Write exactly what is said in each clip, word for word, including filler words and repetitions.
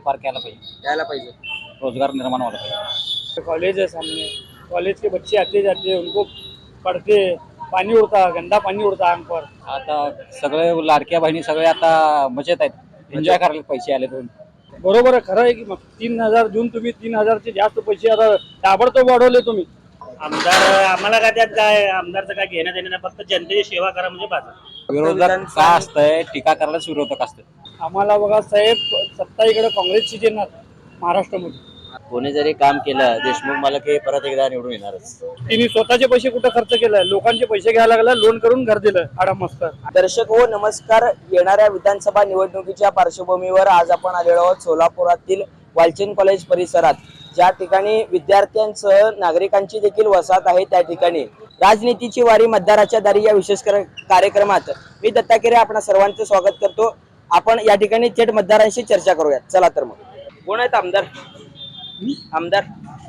Park यायला पाहिजे यायला पाहिजे रोजगार निर्माण व्हायला पाहिजे। कॉलेज है सामने, कॉलेज के बच्चे आते जाते उनको पढ़ते, पानी उड़ता, गंदा पानी उड़ता आंग पर। आता सगळे लाडक्या बहिणी सगळे आता मजेत आहेत, एन्जॉय करायला पैसे आले दोन। बरोबर आहे, खरं आहे की मग तीन हजार देऊन तुम्ही तीन हजारचे जास्त पैसे आता ताबडतोब वाढवले तुम्ही। आमदार आम्हाला काय त्यात काय आमदारचं काय घेणं देणं नाही, फक्त जनतेची सेवा करा म्हणजे बाजार। विरोधक का असतंय, टीका करायलाच विरोधक असतात। आम्हाला बघा साहेब, सत्ता इकडे काँग्रेसची येणार महाराष्ट्रामध्ये। कोणी जरी काम केलं देशमुख मालक हे परत एकदा निवडून येणारच। तिने स्वतःचे पैसे कुठे खर्च केलाय, लोकांचे पैसे घ्यायला लागला, लोन करून घर दिलं आडामस्तर। दर्शक हो नमस्कार। येणाऱ्या विधानसभा निवडणुकीच्या पार्श्वभूमीवर आज आपण आलेलो आहोत सोलापुरातील वालचंद कॉलेज परिसरात, ज्या ठिकाणी विद्यार्थ्यांसह नागरिकांची देखील वसाहत आहे। त्या ठिकाणी राजनीतीची वारी मतदाराच्या दारी या विशेष कार्यक्रमात मी दत्ता केरे आपण सर्वांचं स्वागत करतो। आपण या ठिकाणी थेट मतदारांशी चर्चा करूयात। चला तर मग, कोण आहेत आमदार? आमदार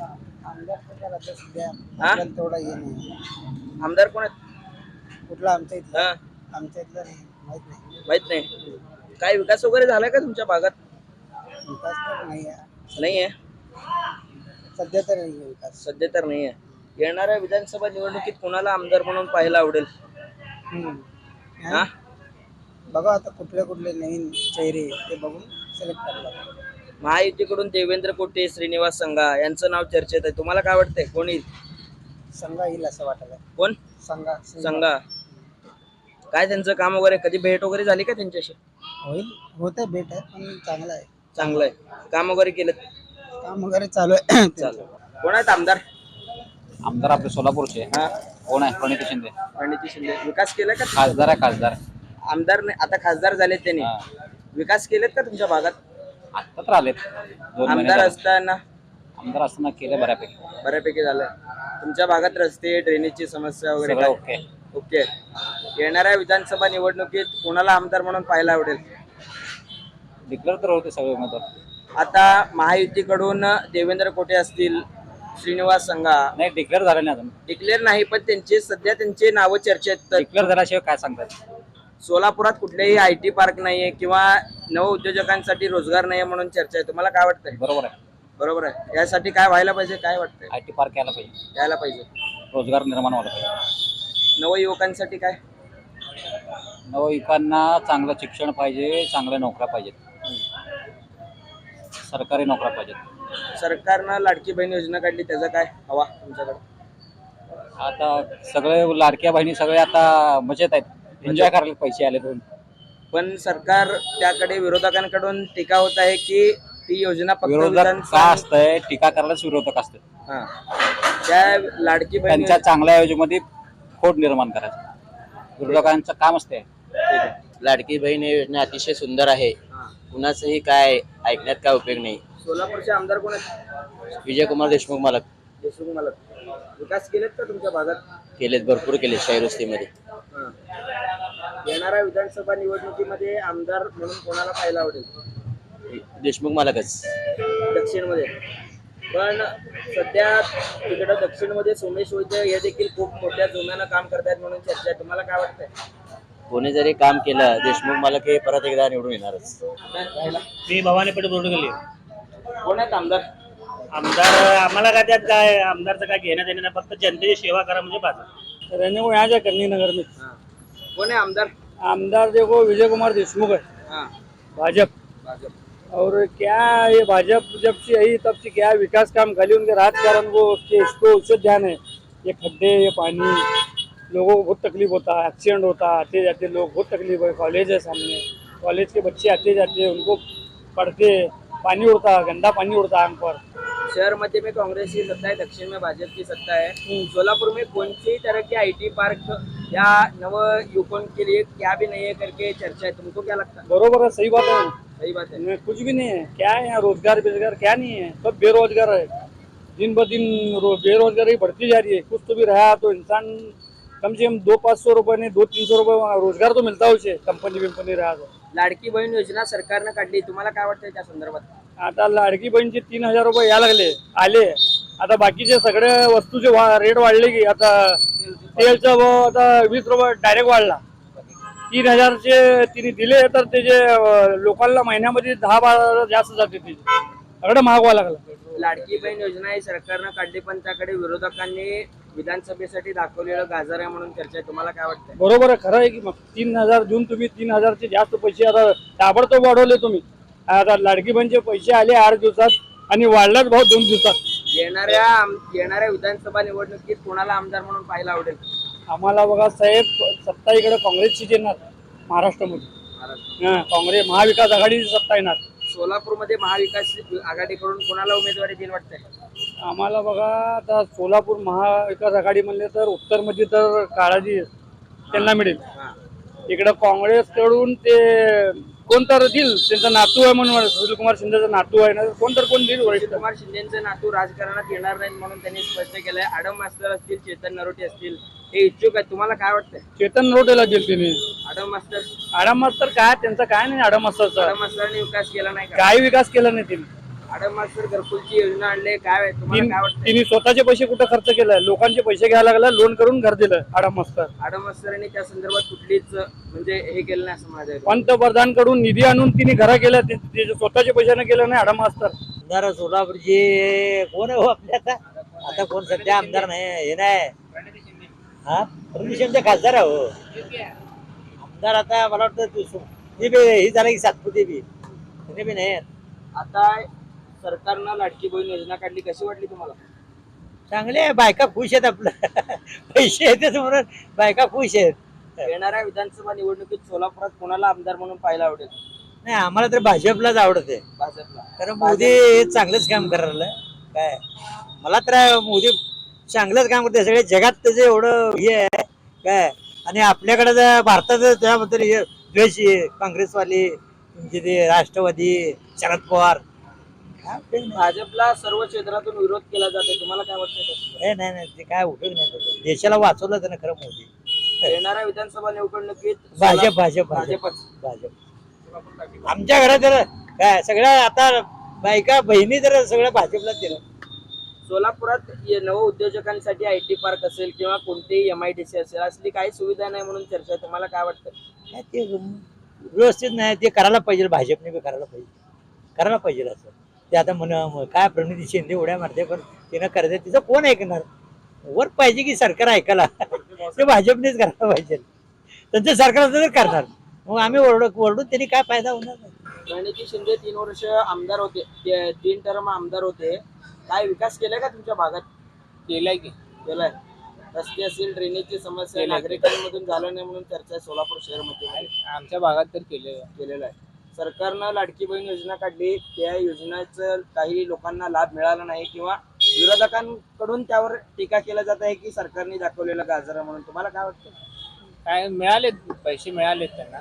आमदार कोण आहेत? कुठला आमच्या इथला? हा, आमच्या इथला माहित नाही। माहित नाही। काय विकास वगैरे झालाय का तुमच्या भागात? विकास तर नाही आहे, नाही आहे, सध्या तर नाही आहे विकास। सध्या तर नाही आहे। येणाऱ्या विधानसभा निवडणुकीत कोणाला आमदार म्हणून पाहायला आवडेल? हम्म. हा, बघा आता कुठले कुठले नवीन चेहरे ते बघून सिलेक्ट करायला। महायुतीकडून देवेंद्र कोटे, श्रीनिवास संघा यांचं नाव चर्चेत आहे। तुम्हाला काय वाटतंय, कोण येईल? संघा येईल असं वाटलं। कोण? संघा संघा। काय त्यांचं काम वगैरे, कधी भेट वगैरे झाली का त्यांच्याशी? होईल, होते भेट आहे पण चांगला आहे, चांगलं आहे, काम वगैरे केलं? काम वगैरे चालू आहे। चालू। कोण आहेत आमदार? आमदार आपले सोलापूरचे हा, कोण आहे? प्रणिती शिंदे। प्रणिती शिंदे। विकास केलाय का? खासदार आहे, खासदार आमदार नाही, आता खासदार झालेत त्यांनी। हा. विकास केलेत का तुमच्या भागात? आता तर आलेत दोन महिने आमदार झाले. असताना आमदार असताना केले बऱ्यापैकी, बऱ्यापैकी झालंय। तुमच्या भागात रस्ते, ड्रेनेजची समस्या वगैरे सगळं काय? ओके। ओके। येणाऱ्या विधानसभा निवडणुकीत कोणाला आमदार म्हणून पाहायला आवडेल? डिक्लेअर तर होते सगळे उमेदवार। आता महायुतीकडून देवेंद्र कोटे असतील, श्रीनिवास संघा नाही, डिक्लेअर झाले नाही अजून। डिक्लेअर नाही, पण त्यांचे सध्या त्यांचे नावं चर्चेत। डिक्लेअर झाल्याशिवाय काय सांगतात? सोलापुरात कुठलेही आय टी पार्क नाहीये किंवा नव उद्योजकांसाठी रोजगार नाहीये म्हणून चर्चा आहे। तुम्हाला काय वाटतंय? बरोबर आहे, बरोबर आहे। यासाठी काय व्हायला पाहिजे, काय वाटतंय? आय टी पार्क यायला पाहिजे, यायला पाहिजे। रोजगार निर्माण व्हायला पाहिजे। नवयुवकांसाठी काय? नवयुवकांना चांगलं शिक्षण पाहिजे, चांगल्या नोकऱ्या पाहिजेत, सरकारी नोकऱ्या पाहिजेत। सरकारनं लाडकी बहीण योजना काढली, त्याचा काय हवा तुमच्याकडे? आता सगळे लाडक्या बहिणी सगळे आता मजेत आहेत, एन्जॉय करायला पैसे आले दोन। पण सरकार त्याकडे विरोधकांकडून टीका होत आहे की ती योजना फक्त विरोधक विधान- का असतंय, टीका करायलाच विरोधक असतात। हा, त्या लाडकी बहीण त्यांच्या चांगल्या योजनेमध्ये खोट निर्माण करायचं विरोधकांचं काम असते। लाडकी बहीण ही योजना अतिशय सुंदर आहे, कुणाचंही काय ऐकण्यात काय उपयोग नाही। सोलापूरचे आमदार कोण आहेत? विजयकुमार देशमुख मालक देशमुख मला विकास केलेत का तुमच्या भागात? केलेत, भरपूर केले शाहीवस्तीमध्ये। हा. येणाऱ्या विधानसभा निवडणुकीमध्ये आमदार म्हणून कोणाला पाहायला आवडेल? देशमुख मालकच। दक्षिण मध्ये पण सध्या तिकडं दक्षिण मध्ये सोमेश वैद्य हे देखील खूप मोठ्या जोम्यानं काम करतायत म्हणून चर्चा आहे। तुम्हाला काय वाटतंय? कोणी जरी काम केलं देशमुख मालक हे परत एकदा निवडून येणारच। मी भवानी पेठ बोर्ड गेली। कोण आहेत आमदार? आमदार आम्हाला काय त्यात काय आमदारचं काय घेणं देणं नाही, फक्त जनतेची सेवा करा म्हणजे बाजार। रहने को यहाँ जा करनी नगर में। कोण आहे आमदार? आमदार देखो विजय कुमार देशमुख है, हाँ, भाजप। भाजप। और क्या ये भाजप जब से आई तब से क्या विकास काम खाली उनके राजकारण को उसके इसको उससे ध्यान है। ये खड्डे, ये पानी, लोगों को बहुत तकलीफ होता है, एक्सीडेंट होता है, आते जाते लोग बहुत तकलीफ है। कॉलेज है सामने, कॉलेज के बच्चे आते जाते उनको पढ़ते, पानी उड़ता, गंदा पानी उड़ता आंग पर। शहर मध्य में कांग्रेस की सत्ता है, दक्षिण में भाजपा की सत्ता है। सोलापुर में कौन सी तरह के आईटी पार्क या नव युवकों के लिए क्या भी नहीं है करके चर्चा है, तुमको क्या लगता है? बरोबर है, सही बात है। सही बात है। इनमें कुछ भी नहीं है, क्या है यहाँ रोजगार बेरोजगार क्या नहीं है, सब बेरोजगार है। दिन ब दिन रो- बेरोजगारी बढ़ती जा रही है। कुछ तो भी रहा तो इंसान कम से कम दो पाँच सौ रुपये नहीं दो तीन सौ रुपये रोजगार तो मिलता है उसे, कंपनी विंपनी रहा तो। लाडकी बहीण योजना सरकारनं काढली, तुम्हाला काय वाटतंय त्या संदर्भात? आता लाडकी बहीणचे तीन हजार रुपये या लागले आले। आता बाकीचे सगळे वस्तूचे वा रेट वाढले की आता तेलचा भाव आता वीस रुपये डायरेक्ट वाढला, तीन हजारचे तिने दिले तर त्याचे अं, लोकांना महिन्यामध्ये दहा बारा हजार जास्त जाते त्याचे सगळं महागवा लागला. लाडकी बहीण योजना ही सरकारनं काढली पण त्याकडे विरोधकांनी विधानसभेसाठी दाखवलेलं गाजर आहे म्हणून चर्चा आहे. तुम्हाला काय वाटतंय? बरोबर आहे, खरं आहे की मग तीन हजार देऊन तुम्ही तीन हजारचे जास्त पैसे आता ताबडतोब वाढवले तुम्ही. आता लाडकी बहीणचे पैसे आले आठ दिवसात आणि वाढलाच भाऊ दोन दिवसात. येणाऱ्या आम- येणाऱ्या विधानसभा निवडणुकीत कोणाला आमदार म्हणून पाहायला आवडेल? आम्हाला बघा साहेब, सत्ता इकडे काँग्रेसची येणार महाराष्ट्रामध्ये. हा, काँग्रेस महाविकास आघाडीची सत्ता येणार. सोलापूरमध्ये महाविकास आघाडीकडून कोणाला उमेदवारी देईल वाटतंय? आम्हाला बघा आता सोलापूर महाविकास आघाडी म्हणले तर उत्तरमध्ये तर काळाजी त्यांना मिळेल. इकडं काँग्रेसकडून ते कोण तर देईल, त्यांचा नातू आहे म्हणून सुशीलकुमार शिंदेचा नातू आहे ना, कोण तर कोण देईल वरिष्ठ. कुमार शिंदेचे नातू राजकारणात येणार नाहीत म्हणून त्यांनी स्पष्ट केलंय. आडम मास्तर असतील, चेतन नरोटे असतील, हे इच्छुक आहेत. तुम्हाला काय वाटतंय? चेतन नरोटेला देईल त्यांनी. आडम मास्तर आडम मास्तर काय, त्यांचा काय नाही आडम मास्तरचा, आडम मास्तरांनी विकास केला नाही का? काय विकास केला नाही त्यांनी. आडम मास्तर घरकुलची योजना आणले, काय तुम्हाला काय वाटतं? तिने स्वतःचे पैसे कुठे खर्च केलाय, लोकांचे पैसे घ्यायला लागला, लोन करून घर दिलं आडम मास्तर. आडम मास्तरांनी त्या संदर्भात कुठलीच म्हणजे हे केलं नाही असं माझं पंतप्रधान कडून निधी आणून तिने घरा केल्या, ते- ते स्वतःच्या पैशाने केलं नाही आडम मास्तर. आमदार सोलापूरचे कोण आहे हो आपल्या आता आता कोण सध्या आमदार नाही हे नाही हा प्रणित खासदार आहे हो आमदार. आता मला वाटतं तू सु- ते बी ही झालं की सातपुते बी त्याने बी नाही. आता सरकारनं लाडकी बहीण योजना काढली, कशी वाटली तुम्हाला? चांगले आहे, बायका खुश आहेत आपलं पैसे येतात म्हणून बायका खुश आहेत. येणाऱ्या विधानसभा निवडणुकीत सोलापुरात कोणाला आमदार म्हणून पाहायला आवडेल? नाही आम्हाला तर भाजपलाच आवडत आहे, भाजपला. कारण मोदी हे चांगलंच काम करायला काय. मला तर मोदी चांगलंच काम करते, सगळ्या जगात त्याचं एवढं हे आहे काय. आणि आपल्याकडे जर भारतात त्याबद्दल हे द्वेष आहे, काँग्रेसवाली तुमचे ते राष्ट्रवादी शरद पवार. भाजपला सर्व क्षेत्रातून विरोध केला जातो, तुम्हाला काय वाटतं? हे नाही नाही ते काय उपयोग नाही त्याचा. देशाला वाचवलं त्यानं खरं मोदी. येणाऱ्या विधानसभा निवडणुकीत भाजप भाजप भाजप भाजपच. भाजप आमच्या घरात तर काय सगळ्या आता बायका बहिणी तर सगळ्या भाजपलाच दिलं. सोलापुरात ये- नव उद्योजकांसाठी आय टी पार्क असेल किंवा कोणतेही एम आय डी सी असेल असली काही सुविधा नाही म्हणून चर्चा आहे. तुम्हाला काय वाटतं? काय ते व्यवस्थित नाही, ते करायला पाहिजे, भाजपने बी करायला पाहिजे, करायला पाहिजे असं. ते आता म्हण काय प्रणिती शिंदे उड्या मारते पण तिनं करते, तिचं कोण ऐकणार. वर पाहिजे की सरकार ऐकायला ते भाजपनेच करायला पाहिजे. त्यांचं सरकार असं तर करणार, मग आम्ही ओरड ओरडून त्यांनी काय फायदा होणार नाही. प्रणिती शिंदे तीन वर्ष आमदार होते, ते- तीन टर्म आमदार होते. काय विकास केलाय का तुमच्या भागात? केलाय की केलाय. रस्ते असेल, ड्रेनेजची समस्या नागरिकांमधून झालं नाही म्हणून चर्चा आहे सोलापूर शहरमध्ये. आमच्या भागात तर केले. केलेलं आहे. सरकारनं लाडकी बहीण योजना काढली, त्या योजनेचा काही लोकांना लाभ मिळाला नाही किंवा विरोधकांकडून त्यावर टीका केला जात आहे की सरकारने दाखवलेलं गाजर म्हणून. तुम्हाला काय वाटतं? काय मिळाले, पैसे मिळाले त्यांना.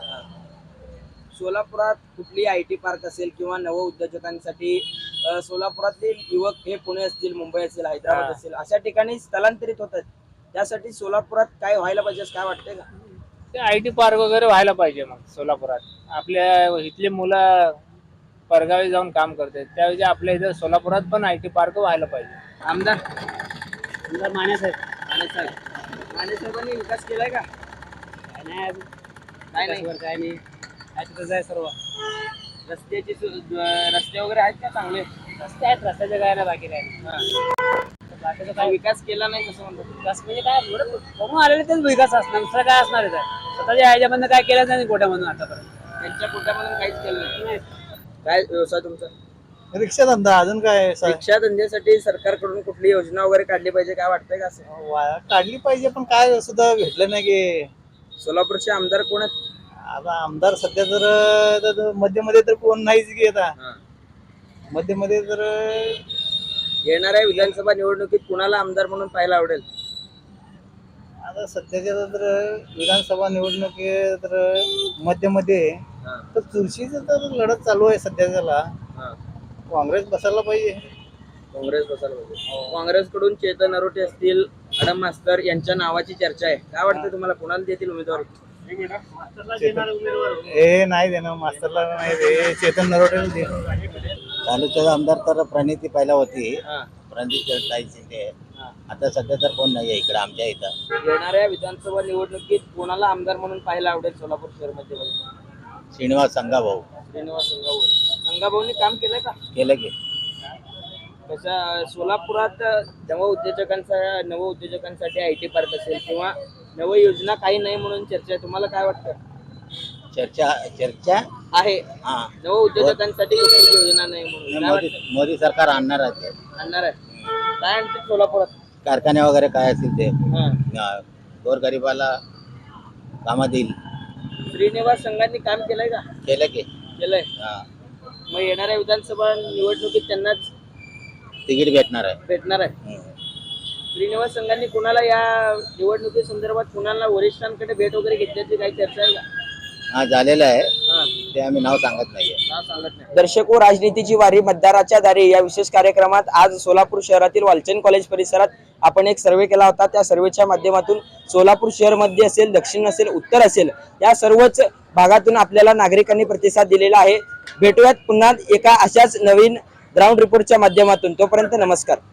सोलापुरात कुठली आय टी पार्क असेल किंवा नव उद्योजकांसाठी अ, सोलापुरातील युवक हे पुणे असतील, मुंबई असेल, हैदराबाद असेल अशा ठिकाणी स्थलांतरित होतात. त्यासाठी सोलापुरात काय व्हायला पाहिजे असं काय वाटतंय का? ते आय टी पार्क वगैरे व्हायला पाहिजे मग सोलापुरात. आपल्या इथले मुलं परगावी जाऊन काम करतात, त्यावेळी आपल्या इथं सोलापुरात पण आय टी पार्क व्हायला पाहिजे. आमदार आमदार माने साहेब. माने साहेब माने साहेबांनी विकास केलाय का? काय नाही अजून. काय नाही. काय नाही, आहे तिथंच आहे सर्व. रस्त्याची सु- अ, रस्ते वगैरे आहेत का चांगले? रस्ते आहेत, रस्त्याचे काय नाही, बाकी काय नाही. बाकीचं काय काय विकास केला नाही कसं म्हणतात? विकास म्हणजे काय एवढं बघून आलेले तेच विकास असणार, दुसरं काय असणार आहे. स्वतःच्या ह्याच्यामधनं काय केलं नाही गोट्यामधून आतापर्यंत. त्यांच्या पोटामधून काहीच केलं नाही. काय व्यवसाय तुमचा? रिक्षा धंदा अजून काय सा- शिक्षा धंद्यासाठी सरकारकडून कुठली योजना वगैरे काढली पाहिजे काय वाटतंय का असं? वा- काढली पाहिजे पण काय सुद्धा भेटलं नाही की. सोलापूरचे आमदार कोण आहेत? आता आमदार सध्या तर तर मध्ये मध्ये तर कोण नाहीच की. आता मध्ये मध्ये तर येणाऱ्या विधानसभा निवडणुकीत कुणाला आमदार म्हणून पाहायला आवडेल? आता सध्याच्या तर विधानसभा निवडणूक आहे तर मध्ये मध्ये तर चुरशीचं तर लढत चालू आहे सध्याच्याला. काँग्रेस बसायला पाहिजे. काँग्रेस बसायला पाहिजे. काँग्रेसकडून चेतन नरोटे असतील, आडम मास्तर यांच्या नावाची चर्चा आहे. काय वाटतं तुम्हाला, कुणाला देतील उमेदवारी? हे नाही देणं मास्तरला नाही दे, चेतन नरोटेला दे. तालुक्याचा आमदार तर प्रणिती पहिला होती, हा. प्रणिती ताई शिंदे. आता सध्या तर कोण नाही आहे इकडे आमच्या इथं. येणाऱ्या विधानसभा निवडणुकीत कोणाला आमदार म्हणून पाहायला आवडेल सोलापूर शहरमध्ये? श्रीनिवास संघाभाऊ श्रीनिवास संघाभाऊ. संघाभाऊनी काम केलंय का? केलं की. तसं सोलापुरात नव उद्योजकांचा नव उद्योजकांसाठी आय टी पार्क असेल किंवा नव योजना काही नाही म्हणून चर्चा आहे, तुम्हाला काय वाटतं? चर्चा चर्चा आहे हा नव उद्योजकांसाठी कुठली योजना नाही म्हणून काय मोदी वाटतं? मोदी सरकार आणणार आहे ते. आणणार आहे काय आणते सोलापुरात? कारखाने वगैरे काय असतील ते हा. हा, गोरगरिबाला कामात येईल. श्रीनिवास संघांनी काम केलंय का? केलं की. केलंय. हा मग येणाऱ्या विधानसभा निवडणुकीत त्यांनाच तिकीट भेटणार आहे. भेटणार आहे. हम्म. श्रीनिवास संघांनी कुणाला या निवडणुकी संदर्भात कुणाला वरिष्ठांकडे भेट वगैरे घेतल्याची काही चर्चा आहे का? हा झालेलं आहे हा. ते आम्ही नाव सांगत नाहीये. नाव सांगत नाही. दर्शको, राजनीतीची वारी मतदाराच्या दारी या विशेष कार्यक्रमात आज सोलापूर शहरातील वालचंद कॉलेज परिसरात आपण एक सर्वे केला होता. त्या सर्वेच्या माध्यमातून सोलापूर शहर मध्ये असेल, दक्षिण असेल, उत्तर असेल, या सर्वच भागातून आपल्याला नागरिकांनी प्रतिसाद दिलेला आहे. भेटूयात पुन्हा एका अशाच नवीन ग्राउंड रिपोर्टच्या माध्यमातून. तोपर्यंत नमस्कार.